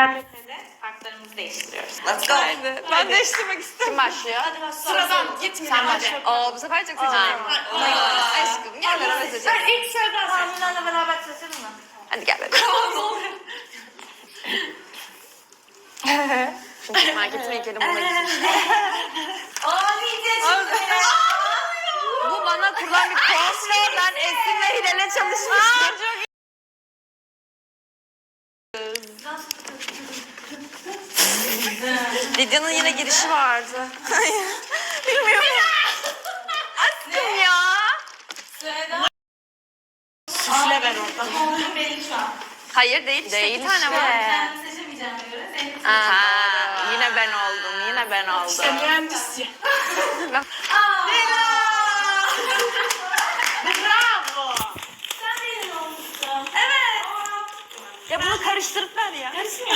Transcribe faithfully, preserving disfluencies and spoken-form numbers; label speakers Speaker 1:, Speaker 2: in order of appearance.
Speaker 1: Radyote'de kartlarımızı değiştiriyoruz.
Speaker 2: Let's go.
Speaker 3: Haydi. Ben değiştirmek istiyorum.
Speaker 4: Kim başlıyor?
Speaker 1: Hadi başla.
Speaker 3: Sıradan gitmeyelim
Speaker 4: Sen
Speaker 3: hadi.
Speaker 4: başla. Oo bu sefer çok seçeceğim. Aşkım gel beraber seçelim.
Speaker 1: Ben ilk sıradan Amina'yla beraber seçelim mi?
Speaker 4: Hadi gel beraber. Şimdi marketime gidelim buna gitsin.
Speaker 1: Aa iyice çıktı ya.
Speaker 4: Bu bana kurulan bir komplo. Ben Esin'le Hilal'e çalışmıştım. Lidya'nın yine girişi vardı. Bilmiyorum. Aşkım ya.
Speaker 3: Süfle ver orada.
Speaker 1: Kombin benim şu an.
Speaker 4: Hayır değil işte
Speaker 2: Değil
Speaker 4: iki tane
Speaker 2: işte.
Speaker 4: var.
Speaker 1: Kendimi seçemeyeceğime göre seni
Speaker 4: Aa, yine ben oldum, yine ben oldum.
Speaker 3: İşte mühendis ya.
Speaker 1: Bravo. Sen benim olmuşsun. Evet.
Speaker 4: Ya bunu karıştırıp ver ya.
Speaker 1: Karışmıyor